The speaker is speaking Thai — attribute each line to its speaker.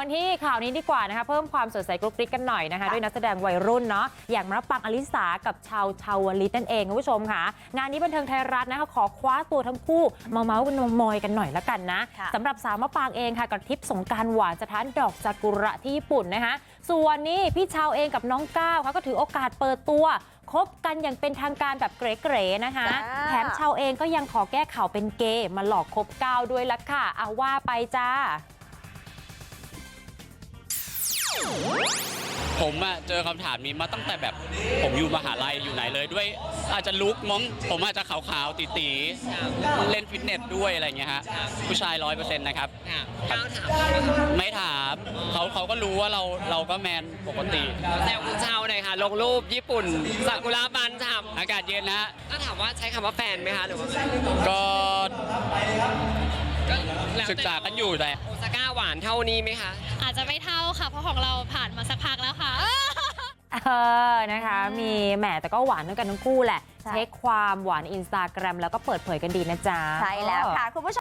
Speaker 1: กันที่ข่าวนี้ดีกว่านะคะเพิ่มความสดใสกรุกกริ๊กกันหน่อยนะคะด้วยนักแสดงวัยรุ่นเนาะอย่างมะปรางอลิสากับชาวลิตนั่นเองคุณผู้ชมค่ะงานนี้บันเทิงไทยรัฐนะคะขอคว้าตัวทั้งคู่มาเมาส์กันมอยกันหน่อยละกันนะสำหรับสาวมะปรางเองค่ะกับทริปสงกรานต์หวานสถานดอกซากุระที่ญี่ปุ่นนะคะส่วนนี้พี่ชาวเองกับน้องก้าวเขาก็ถือโอกาสเปิดตัวคบกันอย่างเป็นทางการแบบเก๋ๆนะคะแถมชาวเองก็ยังขอแก้ข่าวเป็นเกย์มาหลอกคบก้าวด้วยละค่ะเอาว่าไปจ้า
Speaker 2: ผมเจอคำถามนี้มาตั้งแต่แบบผมอยู่มหาลัยอยู่ไหนเลยด้วยอาจจะลุกมั้งผมอาจจะขาวๆตีๆเล่นฟิตเนสด้วยอะไรเงี้ยฮะผู้ชาย 100% นะครับไม่ถามเขาก็รู้ว่าเราก็แมนปกติ
Speaker 3: แซวคุณเช้าหน่อยค่ะลงรูปญี่ปุ่นซากุระบันฉ่ำ
Speaker 2: อากาศเย็นนะฮะ
Speaker 3: ถ้าถามว่าใช้คำว่าแฟนไหมคะหรือว่า
Speaker 2: ก็ศึกษากันอยู่แต่
Speaker 3: โอซาก้าหวานเท่านี้ไหมคะ
Speaker 4: อาจจะไม่เท่าค่ะเพราะของเราผ่านมาสักพักแล้วค่ะ
Speaker 1: นะคะมีแหมแต่ก็หวานด้วยกันทั้งคู่แหละเช็คความหวาน Instagram แล้วก็เปิดเผยกันดีนะจ๊ะ
Speaker 5: ใช่แล้วค่ะคุณผู้ชม